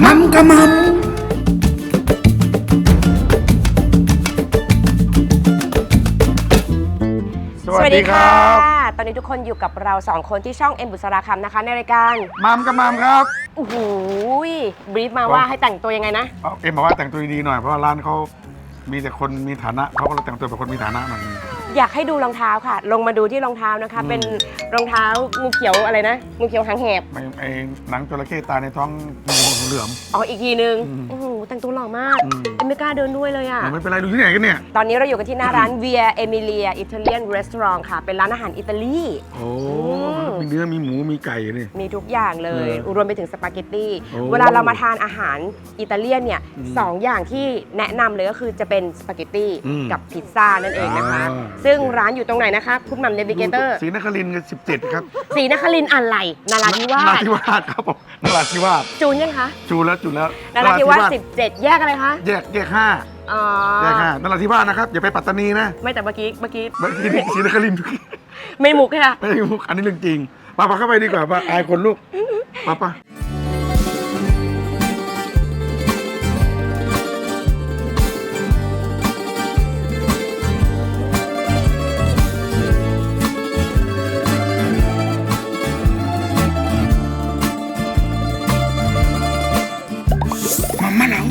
มัมกะมัมสวัสดีค่ะตอนนี้ทุกคนอยู่กับเรา2คนที่ช่องเอ็มบุษราคำนะคะในรายการมัมกะมัมครับโอ้โหบรีฟมาว่าให้แต่งตัวยังไงนะเอ็มบอกว่าแต่งตัวดีๆหน่อยเพราะว่าร้านเขามีแต่คนมีฐานะเขาก็เลยแต่งตัวเป็นคนมีฐานะหน่อยอยากให้ดูรองเท้าค่ะลงมาดูที่รองเท้านะคะเป็นรองเท้างูเขียวอะไรนะงูเขียวหางแหบไอ้หนังจระเข้ตายในท้องงูเหลือมอ๋ออีกทีนึงโอ้โหแต่งตัวหล่อมากไม่กล้าเดินด้วยเลยอ่ะไม่เป็นไรดูที่ไหนกันเนี่ยตอนนี้เราอยู่กันที่หน้าร้าน Via Emilia Italian Restaurant ค่ะเป็นร้านอาหารอิตาลีโอ้มีเนื้อมีหมูมีไก่นี่มีทุกอย่างเลยรวมไปถึงสปาเกตตี้เวลาเรามาทานอาหารอิตาเลียนเนี่ย2อย่างที่แนะนำเลยก็คือจะเป็นสปาเกตตี้กับพิซซ่านั่นเองนะคะซึ่งร้านอยู่ตรงไหนนะคะคุณหม่ำเนวิเกเตอร์ศรีนครินทร์17ครับศรีนครินทร์อะไรนราธิวาสครับผมนราธิวาสจูนยังคะจูนแล้วนราธิวาส17แยกอะไรคะแยก5แยก5นราธิวาสนะครับอย่าไปปัตตานีนะไม่แต่เมื่อกี้ศรีนครินทร์ไม่มุกค่ะไม่มุกอันนี้เรื่องจริงมาเข้าไปดีกว่าอายคนลูกมามาเหลา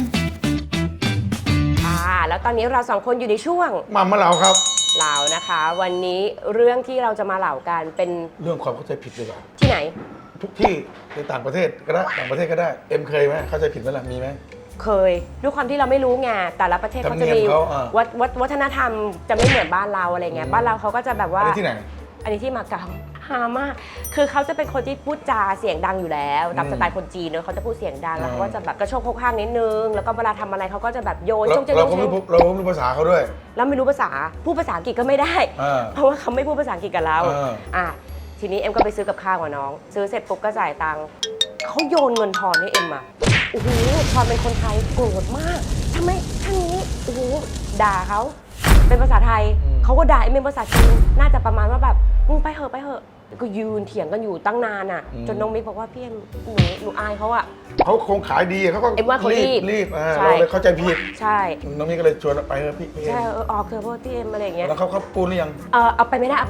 แล้วตอนนี้เรา2คนอยู่ในช่วงมาเหลาครับเหลานะคะวันนี้เรื่องที่เราจะมาเหลากันเป็นเรื่องความเข้าใจผิดดีกว่าที่ไหนทุกที่ในต่างประเทศก็ได้ต่างประเทศก็ได้เอ็มเคยไหมเข้าใจผิดไหมล่ะมีไหมเคยด้วยความที่เราไม่รู้ไงแต่ละประเทศเขาจะมีวัฒนธรรมจะไม่เหมือนบ้านเราอะไรเงี้ยบ้านเราเขาก็จะแบบว่าที่ไหนอันนี้ที่มาเก๊าฮามากคือเขาจะเป็นคนที่พูดจาเสียงดังอยู่แล้วตามสไตล์คนจีนเนอะเขาจะพูดเสียงดังแล้วเขาก็จะแบบกระโชกโคกข้างนิดนึงแล้วก็เวลาทำอะไรเขาก็จะแบบโยนเราไม่รู้ภาษาเขาด้วยแล้วไม่รู้ภาษาพูดภาษาอังกฤษก็ไม่ได้เพราะว่าเขาไม่พูดภาษาอังกฤษกับเราทีนี้เอ็มก็ไปซื้อกับข้าวกับน้องซื้อเสร็จปุ๊บก็จ่ายตังค์เขาโยนเงินทอนให้เอ็มอ่ะโอ้โหทอนเป็นคนไทยโกรธมากทำไมท่านนี้โอ้โหด่าเขาเป็นภาษาไทยเขาก็ด่าเอ็มเป็นภาษาจีนน่าจะประมาณว่าแบบไปเหอะก็ยืนเถียงกันอยู่ตั้งนานอ่ะจนน้องมิกบอกว่าพี่เอ็มหนูอายเขาอ่ะเขาคงขายดีเขาก็เอ็มว่าเขารีบเราเลยเข้าใจผิดใช่น้องมิกก็เลยชวนไปพี่ใช่ออกเถอะพ่อพี่เอ็มอะไรอย่างเงี้ยแล้วเขาปูนหรือยังเอาไปไม่ได้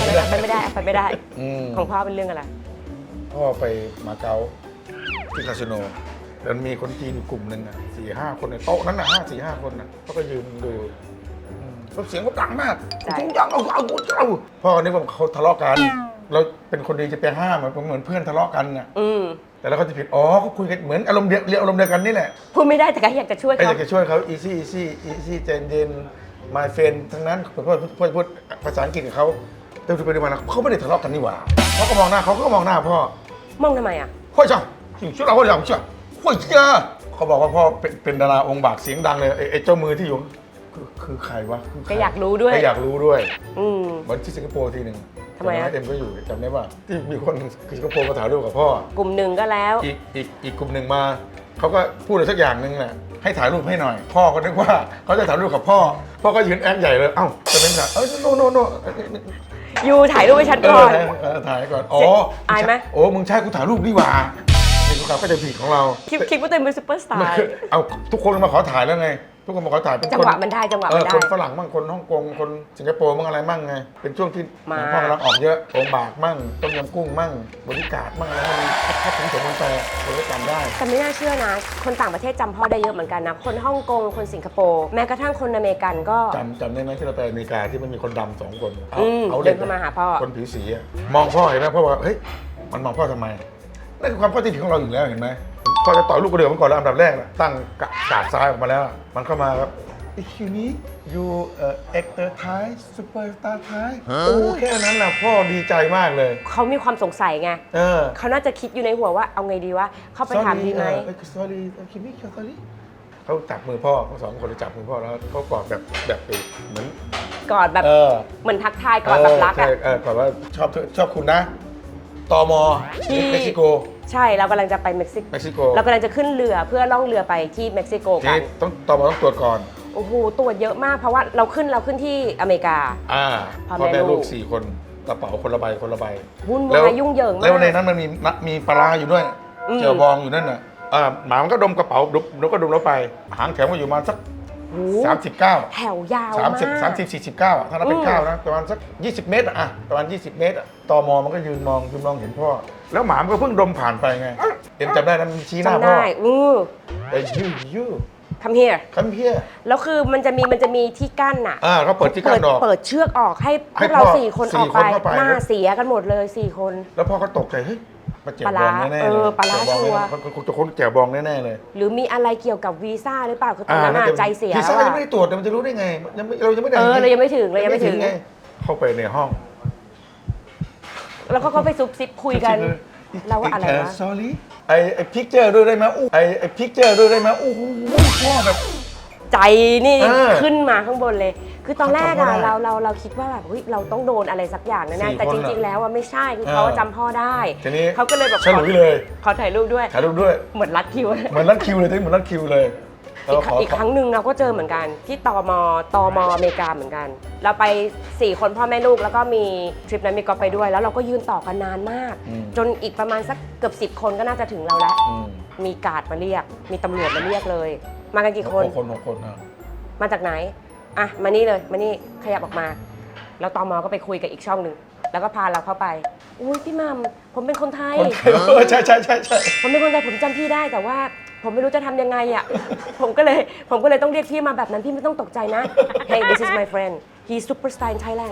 ของพ่อเป็นเรื่องอะไรพ่อไปมาเก๊าที่คาสิโนแล้วมีคนจีนกลุ่มหนึ่ง4-5 คนในโต๊ะนั้น5-4-5 คนเขาก็ยืนดูเสียงเขาดังมากทุกอย่างเอาพ่อนี่ว่าเขาทะเลาะกันเราเป็นคนดีจะไปห้ามเหมือนเพื่อนทะเลาะกันน่ะแต่แล้วเขาจะผิดเขาคุยกันเหมือนอารมณ์เดียวอารมณ์เดียวกันนี่แหละพูดไม่ได้แต่ก็อยากจะช่วยเขาอยากจะช่วยเขา easy ใจเย็น my friend ทั้งนั้นพูดภาษาอังกฤษกับเขาแต่ดูไปดูมาเขาไม่ได้ทะเลาะกันนี่หว่าเขาก็มองหน้าเขาก็มองหน้าพ่อมองทำไมพ่อจ้าช่วยเราพ่อจ้าพ่อจ้าเขาบอกว่าพ่อเป็นดาราองค์บากเสียงดังเลยไอ้เจ้ามือที่อยู่คือใครวะก็อยากรู้ด้วยวันที่สิงคโปร์ทีหนึ่งทำไมเอ็มก็อยู่จำได้ว่าที่มีคนสิงคโปร์มาถ่ายรูปกับพ่อกลุ่มหนึ่งก็แล้วอีกกลุ่มหนึ่งมาเขาก็พูดอะไรสักอย่างหนึ่งแหละให้ถ่ายรูปให้หน่อยพ่อก็นึกว่าเขาจะถ่ายรูปกับพ่อก็ยืนแอคใหญ่เลยจะเป็นแบบโนยูถ่ายรูปให้ฉันก่อนถ่ายก่อนอายไหมมึงใช่กูถ่ายรูปดีกว่านี่เขาก็จะผิดของเราคิดว่าตัวเป็นซุปเปอร์สตาร์เอาทุกคนมาขอถ่ายแล้วไงทุกคนมาขอถ่ายเป็นจังหวะมันได้คนฝรั่งมั่งคนฮ่องกงคนสิงคโปร์มั่งอะไรมั่งไงเป็นช่วงที่พ่อกำลังออกเยอะองบากมั่งต้มยำกุ้งมั่งบริการมั่งอะไรมันแค่ถึงคนแปลคนก็จำได้แต่ไม่น่าเชื่อนะคนต่างประเทศจำพ่อได้เยอะเหมือนกันนะคนฮ่องกงคนสิงคโปร์แม้กระทั่งคนอเมริกันก็จำได้ไหมที่เราไปอเมริกาที่มันมีคนดำ2 คนเดินเข้ามาหาพ่อคนผิวสีมองพ่อเห็นไหมพ่อว่าเฮ้ยมันมองพ่อทำไมนั่นคือความเข้าใจผิดของเราอยู่แล้วเห็นไหมพ่อจะต่อยลูกกระเดื่องมันก่อนแล้วอันดับแรกตั้งกาดซ้ายออกมาแล้วมันเข้ามาครับคิวนี้ยูactor Thai superstar Thai แค่นั้นแหละพ่อดีใจมากเลยเขามีความสงสัยไงเขาน่าจะคิดอยู่ในหัวว่าเอาไงดีวะเข้าไปถามดีไหม sorry คิวนี้ sorry เขาจับมือพ่อทั้ง2 คนเลยจับมือพ่อแล้วเขากอดแบบเหมือนกอดแบบเหมือนทักทายกอดแบบรักกอดว่าชอบคุณนะตม.เม็กซิโกใช่เรากำลังจะไปเม็กซิโกเรากำลังจะขึ้นเรือเพื่อล่องเรือไปที่เม็กซิโกกันต้องตม.ต้องตรวจก่อนโอ้โหตรวจเยอะมากเพราะว่าเราขึ้นที่อเมริกาพ่อแม่ลูก4 คนกระเป๋าคนละใบวุ่นวายยุ่งเหยิงมากแล้วในนั้นมันมีปลาอยู่ด้วยเจียวบองอยู่นั่นน่ะหมามันก็ดมกระเป๋าแล้วก็ดมแล้วไปหางแถวมาอยู่ประมาณสักโอ้ 39 แถวยาว 30 มาก 30 49ถ้านับเป็นก้าวนะประมาณสัก20 เมตรประมาณ20 เมตรตมมันก็ยืนมองเห็นพ่อแล้วหมามันก็เพิ่งดมผ่านไปไงเอ็มจำได้นั้นชี้หน้าจำพ่อได้ไอ้ยู come here คัมเพียแล้วคือมันจะมีที่กั้นน่ะเขาเปิดที่กั้นออกเปิดเชือกออกให้พให้วกเราพ่อ 4 คนสี่ออกไปคนเข้าไปหน้าเสียกันหมดเลย4 คนแล้วพ่อก็ตกใจเฮ้ยมาแจกปลาบร้าองแน่ๆปลาร้าแจกบองชัวร์แน่ๆจะคนแจกบองแน่ๆเลยหรือมีอะไรเกี่ยวกับวีซ่าหรือเปล่าคือตอนนั้นน่ะใจเสียวีแล้ซ่าว ยังอะไม่ได้ตรวจมันจะรู้ได้ไงเรายังไม่ได้เรายังไม่ถึงไงเข้าไปในห้องแล้วก็ไปซุบซิบคุยกันเราว่าอะไรวะ sorry ไอ้พิกเจอร์ด้วยได้ไหมไอ้พิกเจอร์ด้วยได้ไหมโอ้โหพ่อแบบใจนี่เขึ้นมาข้างบนเลย คือตอนแรกอะจำพ่อได้เราคิดว่าแบบเฮ้ยเราต้องโดนอะไรสักอย่างแน่สี่ๆแต่คนจอะริงๆแล้วอะไม่ใช่คือเขาจำพ่อได้ทีนี้เขาก็เลยแบบฉลุยเลยขอถ่ายรูปด้วยถ่ายรูปด้วยเหมือนรัดคิวเหมือนรัดคิวเลยเหมือนรัดคิวเลยแล้วอีกครั้งหนึ่งเราก็เจอเหมือนกันที่ตมอเมริกาเหมือนกัน เราไป4 คนพ่อแม่ลูกแล้วก็มีทริปนั้นมีก๊อฟไปด้วย แล้วเราก็ยืนต่อกันนานมาก จนอีกประมาณสักเกือบ10 คนก็น่าจะถึงเราแล้วมีการ์ดมาเรียกมีตำรวจมาเรียกเลย มากันกี่คน 6 คนนะมาจากไหนอ่ะมานี่เลยมานี่ขยับออกมาแล้วตมก็ไปคุยกับอีกช่องหนึ่งแล้วก็พาเราเข้าไปอุ้ยพี่มัมผมเป็นคนไทยใช่ผมเป็นคนไทยผมจำพี่ได้แต่ว่าผมไม่รู้จะทำยังไงอ่ะ ผมก็เลยต้องเรียกพี่มาแบบนั้นพี่ไม่ต้องตกใจนะ Hey this is my friend he's superstar in Thailand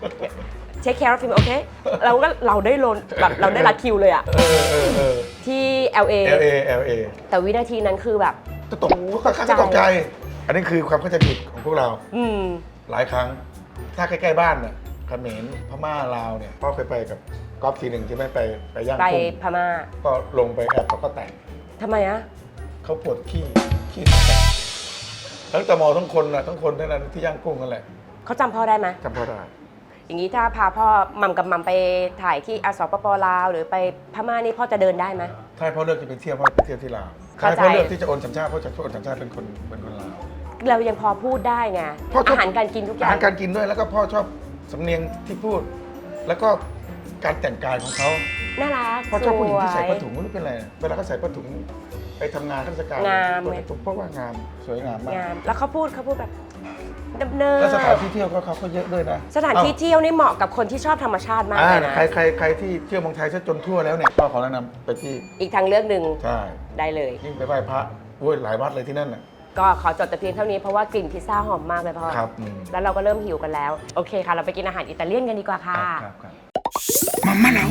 take care of him okay เราได้โลนแบบเราได้รัดคิวเลยอ่ะที่ LA แต่วินาทีนั้นคือแบบตกใจอันนี้คือความเข้าใจผิดของพวกเราหลายครั้งถ้าใกล้ๆบ้านน่ะเขมรพม่าลาวเนี่ยพ่อเคยไปกับก๊อฟทีหนึ่งใช่ไหมไปย่างไปกุ้งพม่าก็ลงไปแอบเขาก็แตกทำไมอะเขาปวดขี้แตกทั้งตมทั้งคนนั่นที่ย่างกุ้งนั่นแหละเขาจำพ่อได้ไหมจำพ่อได้อย่างนี้ถ้าพาพ่อมัมกับมัมไปถ่ายที่สปปลาวหรือไปพม่านี่พ่อจะเดินได้ไหมถ้าพ่อเลือกจะไปเที่ยวพ่อไปเที่ยวที่ลาวถ้าเข้าใจพ่อเลือกที่จะโอนสัญชาติพ่อจะโอนสัญชาติเป็นคนลาวเรายังพอพูดได้ไงพ่อชอบอาหารการกินทุกออาย่าหาง รการกินด้วยแล้วก็พ่อชอบสำเนียงที่พูด แล้วก็การแต่งกายของเขาน่ารักพ่อชอบผู้หญิงที่ใส่ผ้าสถุวยงไม่รู้เป็นไรเวลาเขาใส่ผ้าถุงไปทำงานราชการงามเปิดถุงเพราะว่างามสวยงามมากงามแล้วเขาพูดแบบเนิบแล้วสถานที่เที่ยวเขาก็เยอะด้วยนะสถานที่เที่ยวนี่เหมาะกับคนที่ชอบธรรมชาติมากเลยนะใครที่เที่ยวเมืองไทยซะจนทั่วแล้วเนี่ยพ่อขอแนะนำไปที่อีกทางเลือกหนึ่งใช่ได้เลยยิ่งไปไหว้พระโอ้ยหลายวัดเลยที่นั่นน่ะก็ขอจดแต่เพียงเท่านี้เพราะว่ากลิ่นพิซซ่าหอมมากเลยพ่อครับแล้วเราก็เริ่มหิวกันแล้วโอเคค่ะเราไปกินอาหารอิตาเลียนกันดีกว่าค่ะครับมาม่าเหลา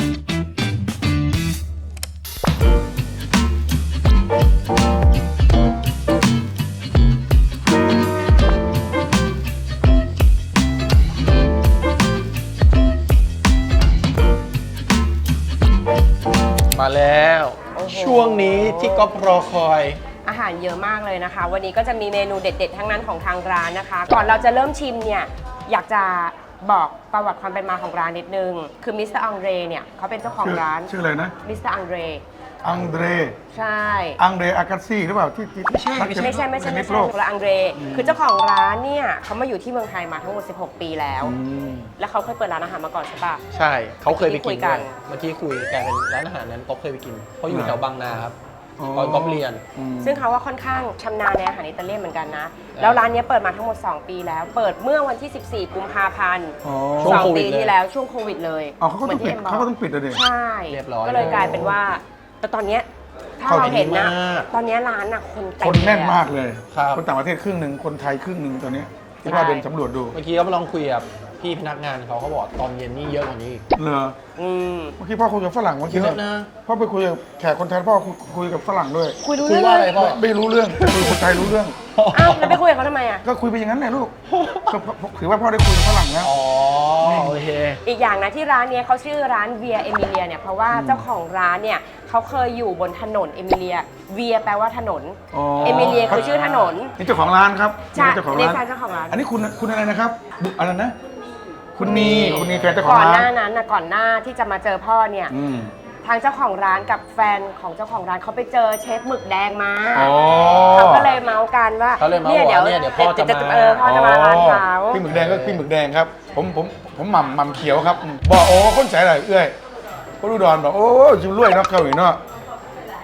มาแล้วโอ้โหช่วงนี้ที่ก๊อฟรอคอยอาหารเยอะมากเลยนะคะ วันนี้ก็จะมีเมนูเด็ด ๆ ทั้งนั้นของทางร้านนะคะ ก่อนเราจะเริ่มชิมเนี่ยอยากจะบอกประวัติความเป็นมาของร้านนิดนึง คือมิสเตอร์อังเดรเนี่ยเขาเป็นเจ้าของร้านชื่ออะไรนะมิสเตอร์อังเดรอังเดรใช่อากาซี่หรือเปล่าที่ไม่ใช่ไม่ใช่คนละอังเดรคือเจ้าของร้านเนี่ยเขามาอยู่ที่เมืองไทยมาทั้งหมด16 ปีแล้ว แล้วเขาเคยเปิดร้านอาหารมาก่อนใช่ปะใช่เขาเคยไปคุกิยนกัด้วน ยเมื่อกี้คุยแกเป็นร้านอาหารนั้นก๊อฟเคยไปกินเขาอยู่แถวบางนาครับตอนก๊อฟเรียนซึ่งเขาว่าค่อนข้างชำนาญในอาหารอิตาเลียนเหมือนกันนะ แล้วร้านนี้เปิดมาทั้งหมด 2 ปีแล้ว เปิดเมื่อวันที่ 14 กุมภาพันธ์ช่วงโค 2 วิปีดเลยที่แล้วช่วงโควิดเลยเขาก็ต้องปิดเขาก็ต้องปิดเลยใช่เรียบร้อยก็เลยกลายเป็นว่า แต่ตอนเนี้ยถ้าเราเห็นนะ ตอนเนี้ยร้านน่ะคนเต็มคนแน่นมากเลยเลยครับคนต่างประเทศครึ่งหนึ่งคนไทยครึ่งหนึ่งตอนนี้ที่ใช่ว่าเดินสำรวจดูเมื่อกี้ก็มาลองคุยกับพี่พนักงานเขาบอกตอนเย็นนี่เยอะกว่านี้อีกเหรออืมเมื่อกี้พ่อคุยกับฝรั่งเมื่อกี้เยอะนะพ่อไปคุยกับแขกคนไทยพ่อคุยกับฝรั่งด้วยคุยรู้คุยเรื่องว่าอะไรเลยพ่อไม่รู้เรื่องคุยคนไทยรู้เรื่องอ้าวแล้วไปคุยกับเขาทำไมอ่ะก็คุยไปอย่างนั้นแหละลูกก็ถือว่าพ่อได้คุยกับฝรั่งแล้วอ๋อโอเคอีกอย่างนะที่ร้านเนี้ยเขาชื่อร้านเวียเอมิเลียเนี่ยเพราะว่าเจ้าของร้านเนี่ยเขาเคยอยู่บนถนนเอมิเลียเวียแปลว่าถนนอ๋อเอมิเลียคือชื่อถนนนี่เจ้าของร้านครับใช่เจ้าของในร้านแฟนเจ้าของร้านอันนี้คุณอะไรนะครับอะไรนะ คุณนีแฟนเจ้าของก่อนร้าหน้าน นั้นนะก่อนหน้าที่จะมาเจอพ่อเนี่ย ทางเจ้าของร้านกับแฟนของเจ้าของร้านเขาไปเจอเชฟหมึกแดงมาอ๋อเขาก็เลยเมาส์กันว่าเขาเลยเมาส์ว่าเนี่ยเดี๋ยวพ่อจะมาพ่อจะมาร้านเขาพี่หมึกแดงก็พี่หมึกแดงครับ ผมหม่ำเขียวครับบอกโอ้คนใส่อะไรเอื้อยก็รู้ดอนบอกโอ้จิมรวยเนาะเกาหลีเนาะ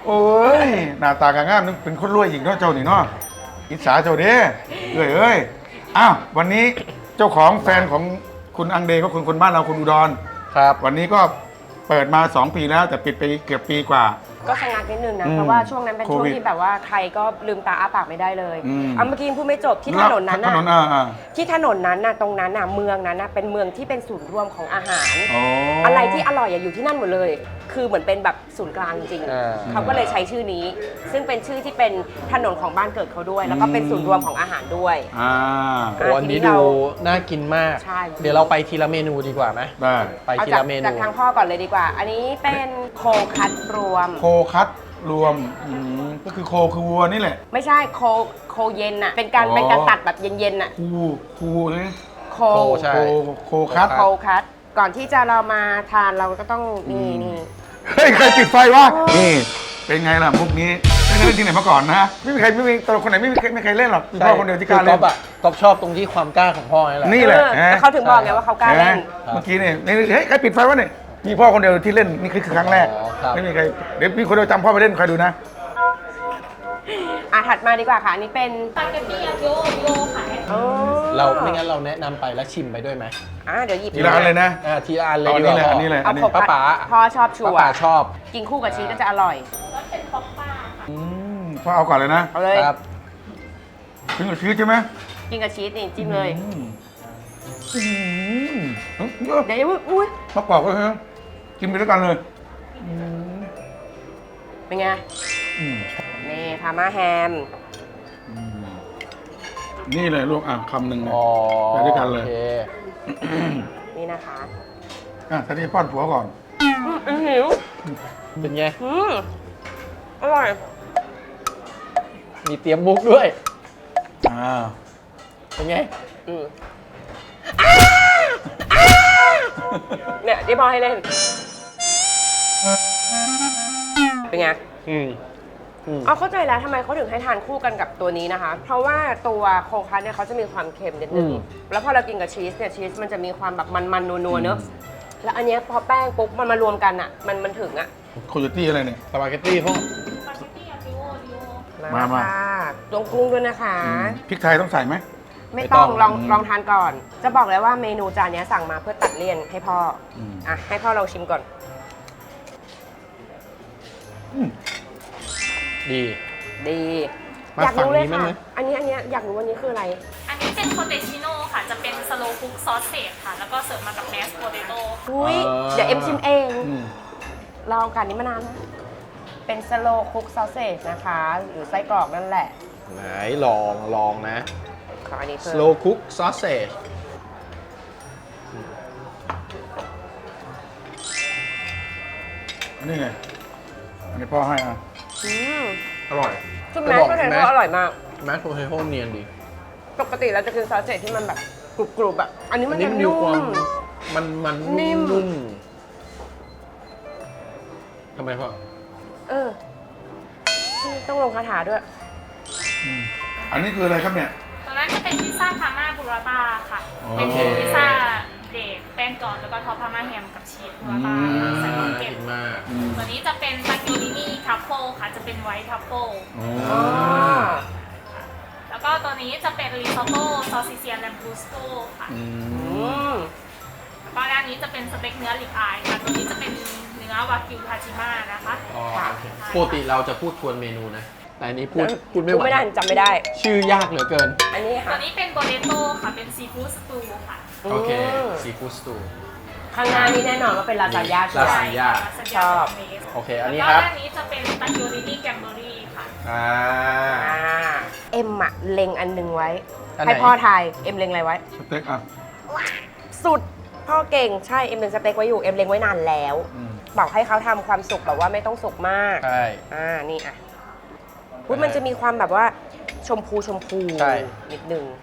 โอ้ยหน้าตากางามนึกเป็นคนรวยอีกเนาะเจ้านี่เนาะอิจฉาเจ้าเด้เอ้ยอ้าววันนี้เจ้าของแฟนของคุณอังเดก็คุณคนบ้านเราคุณอุดรครับวันนี้ก็เปิดมา 2 ปีแล้วแต่ปิดไปเกือบปีกว่าก็ชะงักนิดนึงนะอืมเพราะว่าช่วงนั้นเป็นช่วงโควิดที่แบบว่าใครก็ลืมตาอ้าปากไม่ได้เลยอืมเอาเมื่อกี้พูดไม่จบที่ถนนนั้นถนนน่ะอ่าที่ถนนนั้นน่ะตรงนั้นน่ะเมืองนั้นน่ะเป็นเมืองที่เป็นศูนย์รวมของอาหารอ๋อออะไรที่อร่อยอยู่ที่นั่นหมดเลย คือเหมือนเป็นแบบศูนย์กลางจริงอ่าๆเขาก็เลยใช้ชื่อนี้ ซึ่งเป็นชื่อที่เป็นถนนของบ้านเกิดเขาด้วย แล้วก็เป็นศูนย์รวมของอาหารด้วยอ่าโอ้อันนี้ทีนี้ดูเราน่ากินมากใช่เดี๋ยวเราไปทีละเมนูดีกว่าไหมได้ไปเอาทีจากละเมนูจากทางพ่อก่อนเลยดีกว่า อันนี้เป็นโคคัตรวมโคคัตรวมก็คือโคคือวัวนี่แหละไม่ใช่โคเย็นน่ะ เป็นการอ๋อเป็นการตัดแบบเย็นๆน่ะคูนะโคโคใช่โคคัตโคคัตก่อนที่จะเรามาทานเราก็ต้องนี่นี่เฮ้ยใครปิดไฟวะนี่เป็นไงล่ะมุกนี้ไม่เคยเล่นที่ไหนมาก่อนนะไม่มีใครไม่มีตลกคนไหนไม่เคยเล่นหรอกมีพ่อคนเดียวที่กล้าก๊เล่อน ฟอะก๊อฟชอบตรงที่ความกล้าของพ่อนี่แหละนี่แหละแต่เขาถึงบอกไงว่าเขากล้าเล่นเมื่อกี้นี่เฮ้ยใครปิดไฟวะเนี่ยมีพ่อคนเดียวที่เล่นนี่คือครั้งแรกอ๋อครับไม่มีใครเดี๋ยวมีคนเดียวจำพ่อไปเล่นใครดูนะถัดมาดีกว่าค่ะ อันนี้เป็นสปาเกตตี้อาโยโยค่ะอ๋อเราไม่งั้นเราแนะนำไปแล้วชิมไปด้วยไหมเดี๋ยวหยิบทีละอันเลยนะทีละอันเลยเอาดีกว่าอันนี้เลยเอาอันนี้โคป้าคัตป๋าพ่อชอบชัวป้าป๋าร์ชอบกินคู่กับชีสก็จะอร่อยแล้วเป็นท็อปป้าค่ะอืมพ่อเอาก่อนเลยนะเอาเลยครับถึงกับชีสใช่ไหมกินกับชีสนี่จิ้มเลยอืมเดี๋ยวอุ้ยมากรอบก็คือกินไปด้วยกันเลยเป็นไงอืมนี่พาม่าแฮมนี่เลยลูกคำหนึ่งเลยอ๋อไปด้วยกันเลยโอคนี่นะคะท่านี้ป้อนผัวก่อนหิวเป็นไงอร่อยมีเตรียมมุกด้วยอ่าเป็นไงเนี่ยที่พ่อให้เล่น เป็นไงอืมเอาเข้าใจแล้วทำไมเขาถึงให้ทานคู่กันกับตัวนี้นะคะ เพราะว่าตัวโคคัสเนี่ยเขาจะมีความเค็มนิดนึง แล้วพอเรากินกับชีสเนี่ยชีสมันจะมีความแบบมันๆนัวๆเนอะแล้วอันเนี้ยพอแป้งปุ๊บมันมารวมกันอ่ะ มันถึงอ่ะโคโยตี้อะไรเนี่ยสปาเกตตี้พวกสปาเกตตี้อาโยโยมาค่ะลงกุ้งด้วยนะคะพริกไทยต้องใส่ไหมไม่ต้องไม่ต้องลองทานก่อน จะบอกเลยว่าเมนูจานเนี้ยสั่งมาเพื่อตัดเลี่ยนให้พ่ออมให้พ่อลองชิมก่อนดีดีมาอยากรู้เลยฝั่งนี้ค่ะมั้ยอันนี้อยากรู้วันนี้คืออะไรอันนี้เป็นโคเตชิโน่ค่ะ จะเป็นสโลว์คุกซอสเซจค่ะ แล้วก็เสิร์ฟมากับแมสโพเตโต้อุ้ยเดี๋ยวเอ็มชิมเอง ลองกันนี้มานานนะเป็นสโลคุกซอสเซจนะคะ หรือไส้กรอกนั่นแหละไหนลองนะขออันนี้เพิ่ม slow cook sausage อันนี้ไง อันนี้พ่อให้อืมอร่อยจุ่มแมสก็เลยว่าอร่อยมากแมสโพเทโต้เนียนดีปกติเราจะกินซอสเซจที่มันแบบกรุบๆแบบอันนี้มันจะมีนุ่ความมมันนิ่มนุ่มทำไมพ่อต้องลงคาถาด้วยอันนี้คืออะไรครับเนี่ยตอนนั้นจะเป็นพิซซ่าพาม่าบูราต้าค่ะอ๋อเป็นพิซซ่าเดกแป้งก่อนแล้วก็ท็อปพาม่าแฮมกับชีสบูราต้าใส่บักเก็ตกินมากตัวนี้จะเป็นตาเกียวรินี่ทัฟเฟิลค่ะ จะเป็นไวท์ทัฟเฟิลอ๋ออ๋อแล้วก็ตัวนี้จะเป็นริซอตโต้ซอสซิเซียนแลมบรูสโต้ค่ะอืมแล้วก็ด้านนี้จะเป็นสเต็กเนื้อลิบอายค่ะ ตัวนี้จะเป็นเนื้อวากิวทาจิมานะคะอ๋อโอเคปกติเราจะพูดทวนเมนูนะ แต่อันนี้พูดไม่ไหวไม่ได้จำไม่ได้ชื่อยากเหลือเกินอันนี้ตัค่ะวนี้เป็นโบเดโต้ค่ะ เป็นซีฟู้ดสตูค่ะโอเคมซีฟู้ดสตูข้างหน้านี่แน่นอนว่าเป็นลาซานญ่าใช่ลาไหมซานญ่าชอบโอเค อันนี้แล้วครับก็ด้านนี้จะเป็นตาเกียวรินี่แกมเบอรี่ค่ะอ่าเอ็มอะเล็งอันหนึงไว้อันไหนให้พ่อทาย เอ็มเล็งอะไรไว้สเต็กอ่ะสุด พ่อเก่ง ใช่ เอ็มเล็งสเต็กไว้อยู่ เอ็มเล็งไว้นานแล้ว บอกให้เขาทำความสุกแบบว่าไม่ต้องสุกมากใช่นี่อ่ะอุ๊ยมันจะมีความแบบว่าชมพูใช่นิดนึง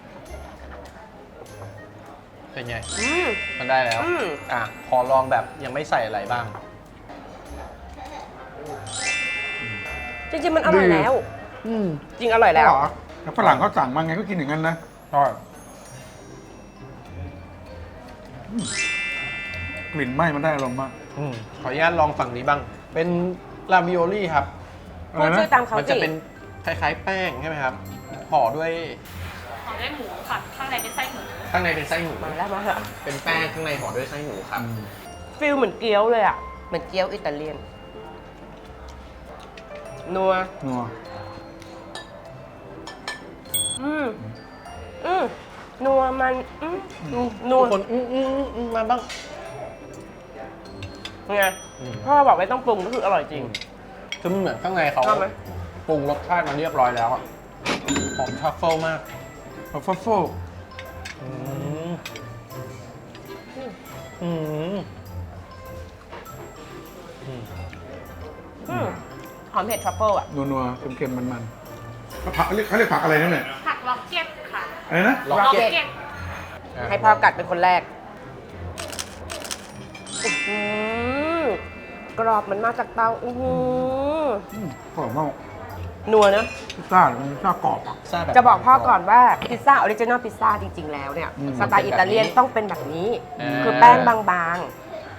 เป็นไงอืมมันได้แล้วอืมขอลองแบบยังไม่ใส่อะไรบ้างจริงๆ มันอร่อยแล้ว จริงอร่อยแล้วเหรอแล้วฝรั่งเขาสั่งมาไงก็กินอย่างนั้นนะใช่กลิ่นไหม้มันได้อารมณ์มากขออนุญาตลองฝั่งนี้บ้าง เป็นลาวิโอลี่ครับพูดชื่อตามเขามันจะสิเป็นคล้ายๆแป้งใช่ไหมครับห่อด้วยห่อด้วยหมูค่ะ ข้างในเป็นไส้หมูข้างในเป็นไส้หมูมาแล้วมาแล้วเป็นแป้งข้างในห่อด้วยไส้หมูครับฟิลเหมือนเกี๊ยวเลยอ่ะเหมือนเกี๊ยวอิตาเลียนนัวนัวอืมนัวมันนัวทุกคนมาบ้างไงพ่อบอกไม่ต้องปรุงก็คืออร่อยจริงคือมันเหมือนข้างในเขาชอบไหมปรุงรสชาติมาเรียบร้อยแล้วอะหอมทรัฟเฟิลมากฟัฟเฟิลอืมอืมหอมเผ็ดทรัฟเฟิลอ่ะนัวๆเค็มๆมันๆผักเขาเรียกผักอะไรนั่นเนี่ยผักล็อกเก็ตค่ะอะไรนะล็อก Rocket เก็ตเก็ตให้พ่อกัดเป็นคนแรกกรอบมันมาจากเตากรอบมากนัวเนอะพิซซ่ามันพิซซ่ากรอบอ่ะซ่าแบบจะบอกพ่อก่อนว่าพิซซ่าออริจินอลพิซซ่าจริง ๆ แล้วเนี่ยอืมสไตล์อิตาเลียนต้องเป็นแบบนี้อ่าคือแป้งบางๆ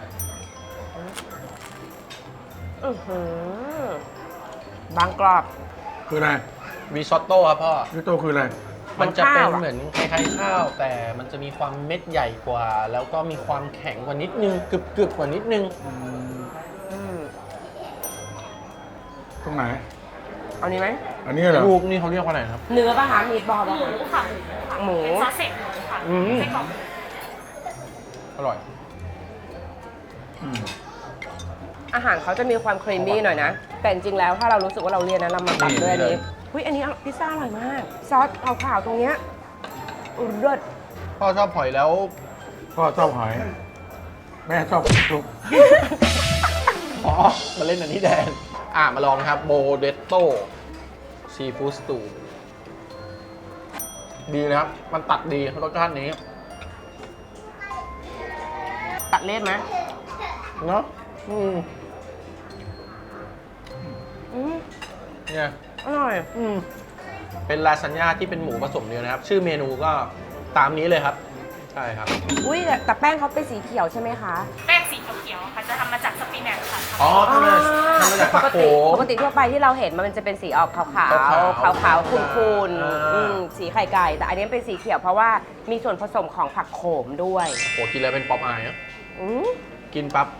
บางกรอบคืออะไรริซอตโต้ครับพ่อริโต้คืออะไรมันจะเป็นข้าวอะเหมือนคล้ายๆข้าว แต่มันจะมีความเม็ดใหญ่กว่า แล้วก็มีความแข็งกว่านิดนึงกรึบๆกว่านิดนึงตรงไหนเอานี้ไหมอันนี้เหรอรูปนี่เขาเรียกว่าอะไรนะครับเนื้อป่ะคะมีบอลหป่ะมูคะค่ะหมูเป็นซอสเสร็จหมูค่ะอืมไส้กรอกอร่อยอืมอาหารเขาจะมีความครีมมี่หน่อยนะ แต่จริงๆแล้วถ้าเรารู้สึกว่าเราเรียนนะเรามาตัดด้วยอันนี้อุ้ยอันนี้พิซซ่าอร่อยมาก ซอสขาวๆตรงเนี้ยเลิศพ่อชอบหอยแล้วพ่อชอบหอย แม่ชอบลูกอ๋อ มาเล่นอันนี้แดน มาลองนะครับโบเดตโต้ซีฟู้ดสตูดีนะครับ มันตัดดีรสชาตินี้ตัดเล่นไหมเนาะอืมอืมเนี่ยอร่อยเป็นลาซานญ่าที่เป็นหมูผสมเนื้อนะครับ ชื่อเมนูก็ตามนี้เลยครับ ใช่ครับอุ้ยแต่แป้งเขาเป็นสีเขียวใช่ไหมคะแป้งสีเขียวๆค่ะ จะทำมาจากสปินัชค่ะอ๋อทำมาจากผักโขมปกติทั่วไปที่เราเห็นมันจะเป็นสีออกขาวขาวๆขาวๆขุ่นอ่าๆสีไข่ไก่ แต่อันนี้เป็นสีเขียวเพราะว่ามีส่วนผสมของผักโขมด้วยโหกินแล้วเป็นป๊อปอายนะอืมกินปั๊บ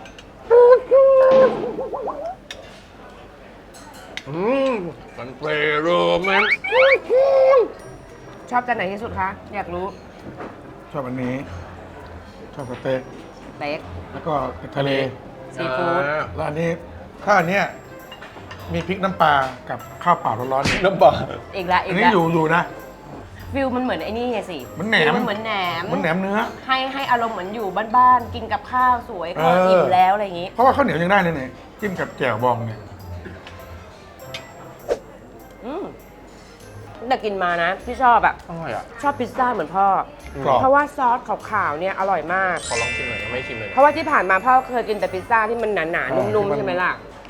มันเปรี้ยวมันชอบจานไหนที่สุดคะ อยากรู้ชอบอันนี้ ชอบสเต็กเต็กแล้วก็ทะเลซีฟู้ดแล้วอันนี้ถ้าอันเนี้ยมีพริกน้ำปลากับข้าวเปล่าร้อนๆน้ำปลาอีกแล้วอีอักนนี้แล้วอยู่นะฟิลมันเหมือนไอ้นี่ไงสิเหมือนแหนมฟิลมันเหมือนแหนมเหมือนแหนมเนื้อให้อารมณ์เหมือนอยู่บ้านๆ กินกับข้าวสวยก็เอออิ่อิ่มแล้วอะไรอย่างงี้เพราะว่าข้าวเหนียวยังได้เลยเนี่ยจิ้มกับแจ่วบองเนี่ยแต่กินมานะที่ชอบอะอร่อยอ่ะชอบพิซซ่าเหมือนพ่อกรอบเพราะว่าซอสขาวๆเนี่ยอร่อยมากขอลองชิมหน่อยยังไม่ชิมเลยเพราะว่าที่ผ่านมาพ่อเคยกินแต่พิซซ่าที่มันหนาๆนุ่มๆใช่ไหมล่ะ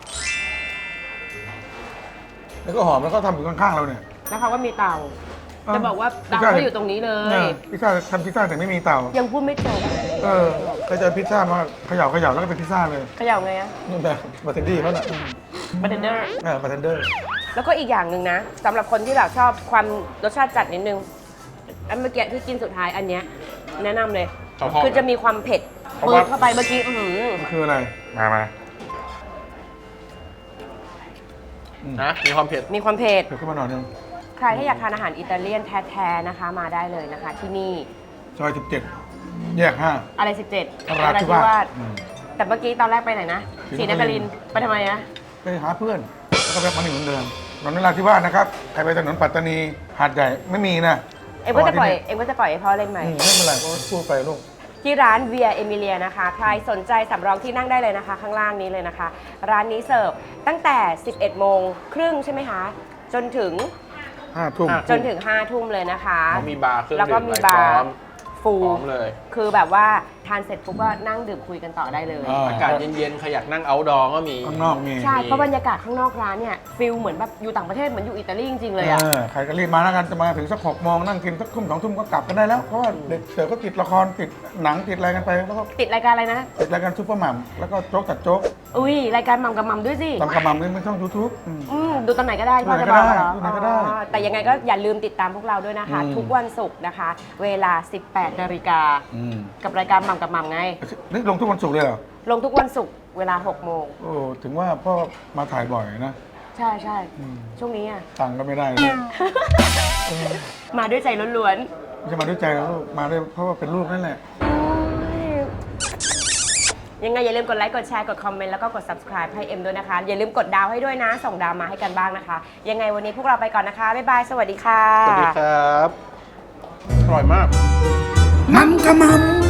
แล้วก็หอมแล้วก็ทำอยู่ข้างๆเราเนี่ยแล้วเขาก็มีเตา จะบอกว่าเตาก็อยู่ตรงนี้เลยเนี่ยพิซซ่าทำพิซซ่าแต่ไม่มีเตายังพูดไม่จบเคยเจอพิซซ่ามาเขย่าแล้วก็เป็นพิซซ่าเลยเขย่าไงอะนี่แบบบาร์เทนดี้เขาน่ะบาร์เทนเดอร์บาร์เทนเดอร์แล้วก็อีกอย่างหนึ่งนะสำหรับคนที่แบบชอบความรสชาติจัดนิดนึงอันเมื่อกี้ที่กินสุดท้ายอันเนี้ยแนะนำเลย คือจะมีความเผ็ดเพราะเปิว่าดเข้าไปเมื่อกี้มันคืออะไร มานะมีความเผ็ดมีความเผ็ดเพิ่มขึ้นมาหน่อยนึงใครที่อยากทานอาหารอิตาเลียนแท้ๆนะคะ มาได้เลยนะคะ ที่นี่ซอย17 แยกอะไร 5 17 นราธิวาสแต่เมื่อกี้ตอนแรกไปไหนนะศรีศรีนนคคริรินนททร์ร์ไปทำไมนะไปหาเพื่อน แล้วก็แวะมานี่เหมือนเดิมถนนนราธิวาสนะครับ ใครไปถนนปัตตานี หาดใหญ่ไม่มีนะเอ็มก็จะปล่อยให้พ่อเล่นไหมไม่เป็นไรก็พูดไปลูกที่ร้านเวียเอมิเลียนะคะ ใครสนใจสำรองที่นั่งได้เลยนะคะ ข้างล่างนี้เลยนะคะ ร้านนี้เสิร์ฟตั้งแต่ 11 โมงครึ่งใช่ไหมคะ จนถึง 5 ทุ่มจนถึง 5 ทุ่มเลยนะคะเขามีบาร์เครื่องแล้วก็ดื่มมีอะไรบาพร้อร์มฟูพร้อมเลยคือแบบว่าทานเสร็จปุ๊บก็นั่งดื่มคุยกันต่อได้เลยอากาศเย็นๆใครอยากนั่งเอาท์ดอร์ก็มีข้างนอกมีใช่ เพราะบรรยากาศข้างนอกร้านเนี่ยฟิลเหมือนแบบอยู่ต่างประเทศเหมือนอยู่อิตาลีจริงๆเลยอะใครก็รีบมาแล้วกันจะมาถึงสัก6 โมงนั่งกินสักทุ่ม 2 ทุ่มก็กลับกันได้แล้ว เพราะว่าเด็กเสิร์ฟก็ติดละครติดหนังติดอะไรกันไปแล้วก็ติดรายการอะไรนะติดรายการซุปเปอร์หม่ำแล้วก็โจ๊กตัดโจ๊กอุ้ยรายการหม่ำกับหม่ำด้วยสิตามกระหม่ำนี่ไม่ช่องยูทูบดูตอนไหนก็ได้ดูตอนไหนพ่อจะบอกเหรอดูตอนไหนก็ได้อ๋อแต่ยังไงก็อย่าลืมติดตามพวกเราด้วยนะคะ ทุกวันศุกร์นะคะ เวลา 18 นาฬิกากับรายการหม่ำกับหม่ำไงนี่ลงทุกวันศุกร์เลยเหรอลงทุกวันศุกร์เวลา 6 โมงโอ้ถึงว่าพ่อมาถ่ายบ่อยนะใช่ใช่ช่วงนี้อ่ะตังค์ก็ไม่ได้เลยมาด้วยใจล้วนไม่ใช่มาด้วยใจแล้วลูกมาด้วยเพราะว่าเป็นลูกนั่นแหละๆยังไงอย่าลืมกดไลค์กดแชร์กดคอมเมนต์แล้วก็กด subscribe ให้เอ็มด้วยนะคะ อย่าลืมกดดาวให้ด้วยนะ ส่งดาวมาให้กันบ้างนะคะ ยังไงวันนี้พวกเราไปก่อนนะคะ บ๊ายบาย สวัสดีค่ะสวัสดีครับ อร่อยมากมันกระหม่ำ